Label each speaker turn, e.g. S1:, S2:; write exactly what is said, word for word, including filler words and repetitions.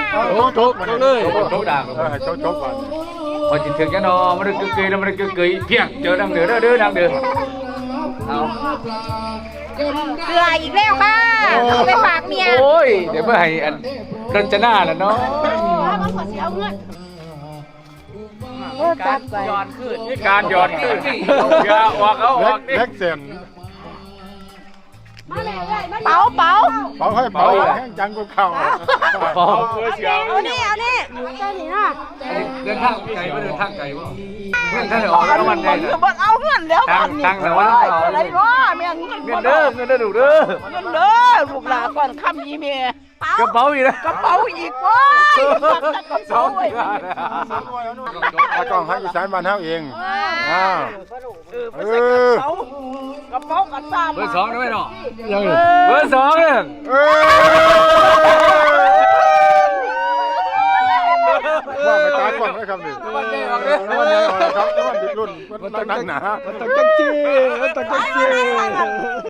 S1: โชกโชกเลยโชกด่าง
S2: โชกโชกก่อน
S1: พอจิตถึงจะนอนมันกึกกึยแล้วมันกึกกึยเพียงเจอดังเดือดเด้อดังเดือดเอา
S3: เกลืออีกแล้วค่ะเอาไปฝากเมีย
S1: โอ้ยเดี๋ยวเมื่อให้อันรัชนาแล้วเนาะ
S3: มันขอเสียเอาเงิน
S1: การย้อนขึ้นการย้อนขึ้นอย่าออกเอาออกดิ
S2: เล็กเสียน
S3: เป๋าเป๋า
S2: เป่าให้เป่าแห้งจังก็เข้า
S3: เอานี่เอานี่เอานี่นะ
S1: เดินทางไกลว่าเดินทางไกลว่าเงินท่านออกแล้วมันได้
S3: คือบ่เอาเงินแล้ว
S1: ทางทางแต่ว่า
S3: อะไรวะเมียเงิน
S1: เงินเด้อเงินเด้อดูเด้อ
S3: เงินเด้อลูกหลานก่อนคำยีเมีย
S1: กระเป๋าอีกนะ
S3: กระเป๋าอีกว้ายกระ
S1: สอ
S3: เป๋าง อีก
S2: ถ้ากล้องให้อีสานบ้านเฮาเองอ้าว
S3: เออกระเป๋ากระเป๋ากระซ้ำ
S1: เบอร์สองได้ไหมเนาะเบอร์สองเนี่ย
S2: เอ้ว่าไปตายก่อนนะครับนี่วันนี้ออกเลยวันนี้ออกครับวันรุ่นวันตั้งหนา
S1: มันต้องจังจีมันต้องจังจี